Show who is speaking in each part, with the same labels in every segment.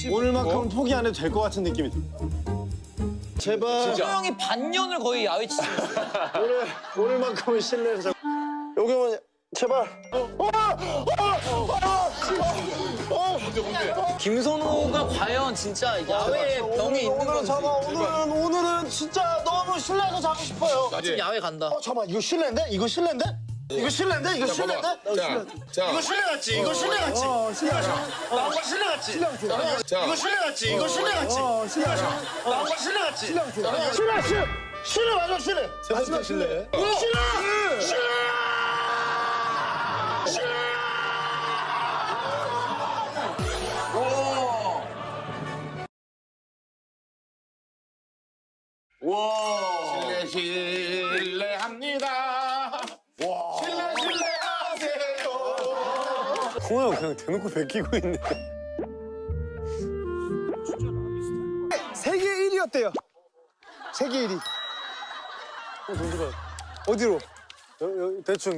Speaker 1: 오늘만큼은 포기 안 해도 될 것 같은 느낌이 들. 제발.
Speaker 2: 형이 반년을 거의 야외 치고
Speaker 1: 오늘만큼은 실내에서. 여기만 제발.
Speaker 2: 김선호가 과연 진짜 야외에 병이 있는 건지.
Speaker 1: 오늘은 진짜 너무 실내에서 자고 싶어요.
Speaker 2: 지금 야외 간다.
Speaker 1: 잠깐만 이거 실내인데? 이거 실내인데? 이거 실내인데? 이거 실내인데?
Speaker 3: 자,
Speaker 1: 이거 실내 같지? 이거 실내 같지? 나온 거 실내 같지?
Speaker 3: 자.
Speaker 1: 이거 실내 같지? 이거 실내 같지? 나온 거 실내 같지? 실내 맞아 실내.
Speaker 3: 세 번째 실내.
Speaker 4: 실례합니다. 실례하세요.
Speaker 1: 홍아 형 그냥 대놓고 베끼고 있네. 세계 1위였대요. 세계 1위. 어디로? 대충.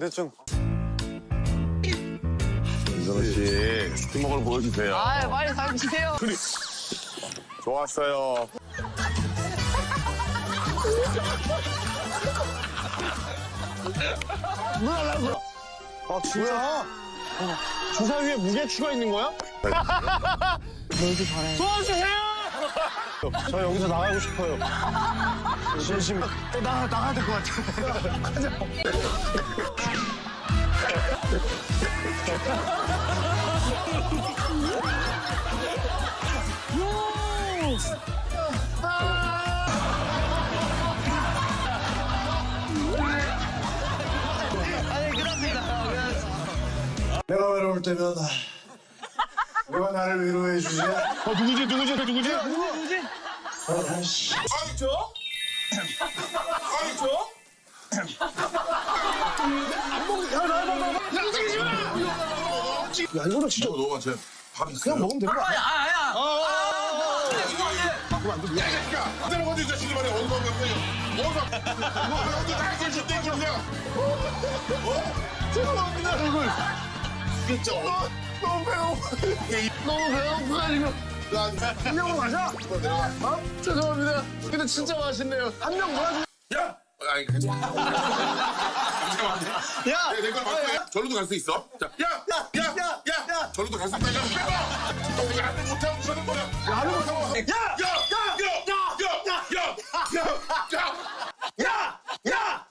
Speaker 4: 이선호 씨, 스팀워크를 보여주세요.
Speaker 2: 아, 빨리 사진 주세요.
Speaker 4: 좋았어요.
Speaker 1: 아 진짜? 주사 위에 무게추가 있는 거야?
Speaker 2: 너도 잘해.
Speaker 1: 도와주세요! 저 여기서 나가고 싶어요. 진심. 나가야 될 것 같아.
Speaker 5: 내가 외로울 때면 누가 나를 위로해 주지?
Speaker 1: 누구지?
Speaker 5: 야 이거는 진짜
Speaker 4: 너가 밥 있어요?
Speaker 5: 그냥 먹으면 되는 거 아니야?
Speaker 4: 그대로 어디 자식이 말이야. 어디서 먹는 거야? 어디 다 있을 수 있대, 그냥. 죄송합니다, 얼굴. 진짜 너무 배고파가지고.
Speaker 1: 한 명으로 가자. 죄송합니다. 근데 진짜 맛있네요. 한 명 도와주.
Speaker 4: 야! 아니, 괜찮아. 잠깐만.
Speaker 1: 야!
Speaker 4: 내가 맞고 절로도 갈 수 있어. 자, 야! 절로도 갈 수 있다. 야, 빼봐! 너 야를 못하고 저는 뭐야?
Speaker 1: 야를 못하고. 야!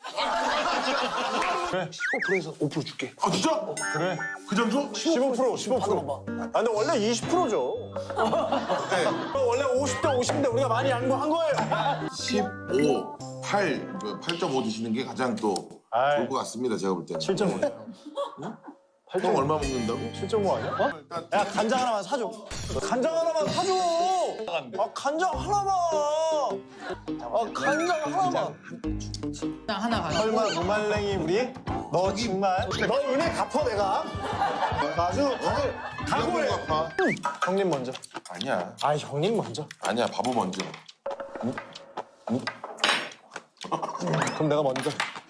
Speaker 1: 15%에서 5% 줄게.
Speaker 4: 아, 진짜?
Speaker 1: 그래.
Speaker 4: 그 정도?
Speaker 1: 15%. 아, 근데 원래 20%죠. 네. 원래 50대 50인데 우리가 많이 양보한 거예요.
Speaker 4: 15, 8.5 드시는 게 가장 또
Speaker 1: 아이.
Speaker 4: 좋을 것 같습니다, 제가 볼 때는.
Speaker 1: 7.5.
Speaker 4: 형 얼마 먹는다고?
Speaker 1: 7.5 아니야? 어? 야, 간장 하나만 사줘. 간장 하나만 사줘. 아, 간장 하나만. 아, 간장 하나만.
Speaker 2: 하나 가자.
Speaker 1: 설마 무말랭이 우리? 너 정말? 너 은혜 갚어 내가. 아주 각오해.
Speaker 4: 아파.
Speaker 1: 형님 먼저.
Speaker 4: 아니야.
Speaker 1: 아, 형님 먼저.
Speaker 4: 아니야, 바보 먼저.
Speaker 1: 그럼 내가 먼저.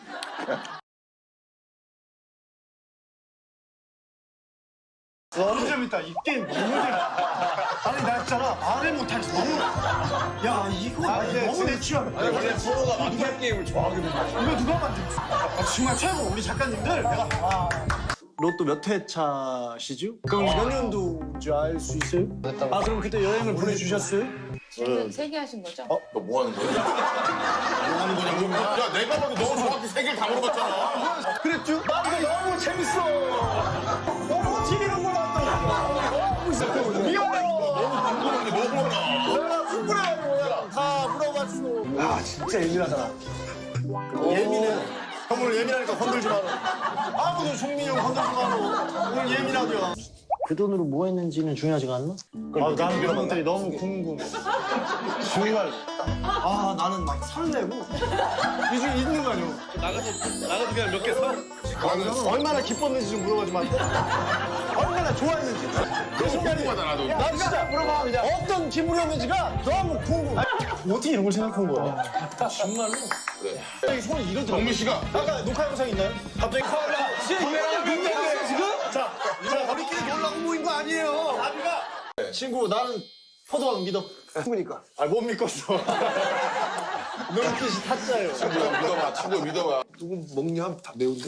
Speaker 1: 너무 재밌다. 이 게임 너무 재밌다. 아니 나 있잖아 말을 못하겠어. 너무. 야 이거 너무 내 취향. 아니 원래 서로가 만날 게임을 좋아하거든요. 이거 누가 만들었어? 아, 정말 최고 우리 작가님들. 내가 로또 몇 회 차시죠? 그럼 몇 년도인지 알 수 있어요? 아 그럼 그때 여행을 보내주셨어요?
Speaker 6: 지금 세 개 하신 거죠?
Speaker 4: 너 뭐 하는 거야? 뭐 하는 거냐고? 야, 내가 봐도 너 정확히 3개를 다 물어봤잖아.
Speaker 1: 그랬죠? 나 이거 너무 재밌어. 너무 TV로 몰랐다. 미안해요.
Speaker 4: 너무 많아.
Speaker 1: 내가 풀뿌려가지고 다 물어봤어. 야 진짜 예민하잖아. 예민해. 형 오늘 예민하니까 건들지 마라. 아무도 종민이 형 건들지 마라. 오늘 예민하죠. 그 돈으로 뭐 했는지는 중요하지가 않나? 아, 나는 그런 것들이 너무 궁금해. 정말. 아, 나는 막 설레고. 이 중에 있는 거 아니야? 나가서 그냥 몇 개 사?
Speaker 4: 나는
Speaker 1: 얼마나 기뻤는지 좀 물어봐주면 안 돼? 얼마나 좋아했는지. 그 순간이.
Speaker 4: 궁금하다, 나도.
Speaker 1: 나 진짜 물어봐, 그냥. 어떤 기분이었는지가 너무 궁금해. 어떻게 이런 걸 생각한 거야? 정말로? 갑자기 손이 이러더라고.
Speaker 4: 정민 씨가
Speaker 1: 아까 녹화 영상 있나요? 갑자기 카메라. 카메라가 민폐인데 지금? 자, 우리끼리 놀라고 모인 거 아니에요. 아비가 친구 나는 포도왕 믿어.
Speaker 5: 그러니까.
Speaker 1: 아, 못 믿겠어. 눈빛이 타짜예요.
Speaker 3: 친구야 믿어봐. 친구 믿어봐.
Speaker 5: 누구 먹냐? 다 매운데?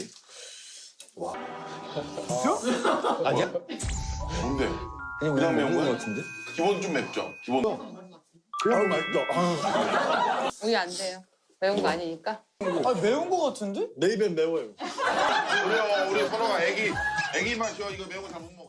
Speaker 1: 아니야?
Speaker 4: 뭔데?
Speaker 2: 그냥
Speaker 4: 매운 거야?
Speaker 2: 같은데?
Speaker 4: 기본 좀 맵죠? 기본.
Speaker 5: 그냥 맛있다.
Speaker 6: 우리 안 돼요. 매운 거 아니니까.
Speaker 2: 아 매운 거 같은데?
Speaker 1: 내 입엔 매워요.
Speaker 4: 우리 서로가 애기 맛이요. 이거 매운 거 잘 못 먹어.